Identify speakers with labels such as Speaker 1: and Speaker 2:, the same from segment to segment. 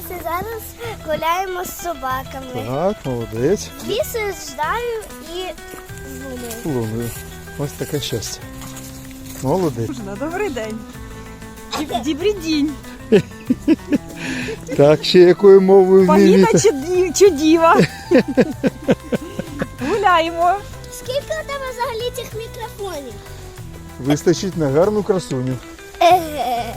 Speaker 1: і зараз гуляємо з собаками.
Speaker 2: Так, молодець.
Speaker 1: Лісою, Ждаю і Луною.
Speaker 2: Луною. Ось таке щастя. Молодець.
Speaker 3: Добрий день. Добрий день.
Speaker 2: Так, ще якою мовою
Speaker 3: Паніна
Speaker 2: вмієте?
Speaker 3: чи діва. Гуляємо.
Speaker 1: Скільки у тебе взагалі цих мікрофонів?
Speaker 2: Вистачить на гарну красуню.
Speaker 1: Еге.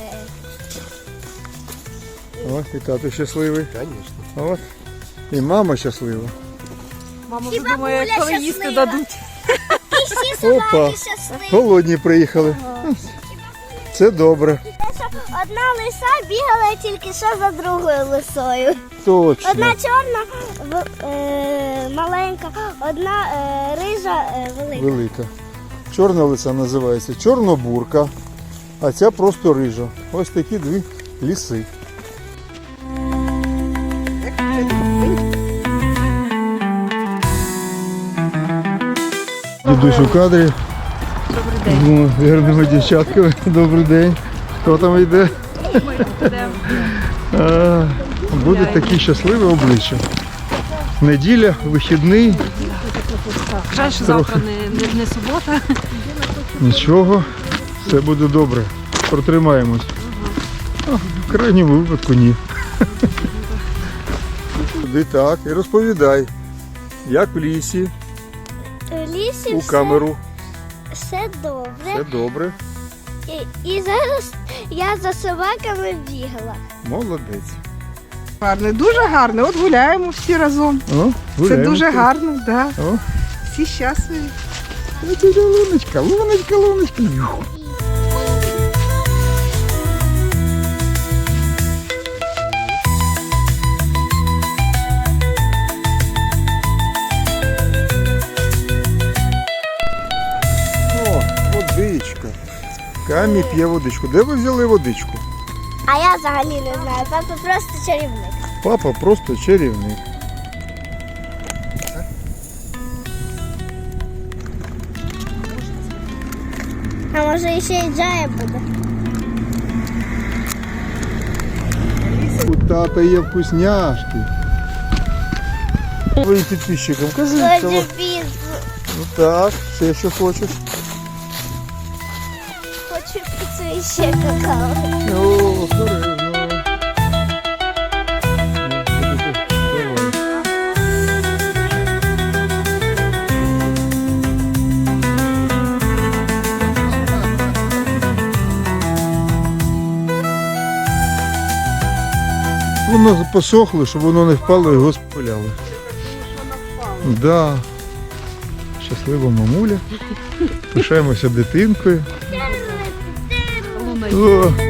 Speaker 2: О, і тато щасливий. Звісно. От. І мама щаслива.
Speaker 3: Мама
Speaker 1: І
Speaker 3: вже думає,
Speaker 1: бабуля
Speaker 3: коли їсти
Speaker 1: щаслива.
Speaker 3: дадуть.
Speaker 1: І всі собаки
Speaker 2: Опа.
Speaker 1: щасливі.
Speaker 2: Голодні приїхали. Це добре.
Speaker 1: Те, що одна лиса бігала тільки що за другою лисою.
Speaker 2: Точно.
Speaker 1: Одна чорна, маленька, одна рижа, велика.
Speaker 2: Велика. Чорна лиса називається чорнобурка, а ця просто рижа. Ось такі дві ліси. Дідусь у кадрі.
Speaker 3: Добрий день.
Speaker 2: З гарними дівчатками. Добрий день. Хто там йде? Буде таке щасливе обличчя. Неділя, вихідний.
Speaker 3: Жаль, що завтра не субота.
Speaker 2: Нічого, все буде добре. Протримаємось. В крайньому випадку ні. Туди так і розповідай, як в лісі,
Speaker 1: В лісі
Speaker 2: у камеру.
Speaker 1: все добре.
Speaker 2: Все добре.
Speaker 1: І зараз я за собаками бігала.
Speaker 2: Молодець.
Speaker 3: Гарно, дуже гарно. От гуляємо всі разом.
Speaker 2: О,
Speaker 3: Це
Speaker 2: гуляємо.
Speaker 3: дуже гарно, да.
Speaker 2: О,
Speaker 3: Всі щасливі.
Speaker 2: це луночка, луночка, луночка. О, водичка. Камі п'є водичку. Де ви взяли водичку?
Speaker 1: А я взагалі не знаю. Папа просто чарівник.
Speaker 2: Папа просто чарівник.
Speaker 1: А може ще й Джая буде.
Speaker 2: У тата є вкусняшки. Твоїм підписчикам кажи.
Speaker 1: Хочу піцу.
Speaker 2: Ну так, ще що хочеш.
Speaker 1: Хочу піцу і ще какао.
Speaker 2: О, обережно. Воно посохло, щоб воно не впало, його спаляли. Да. Щаслива мамуля. Пишаємося дитинкою. О,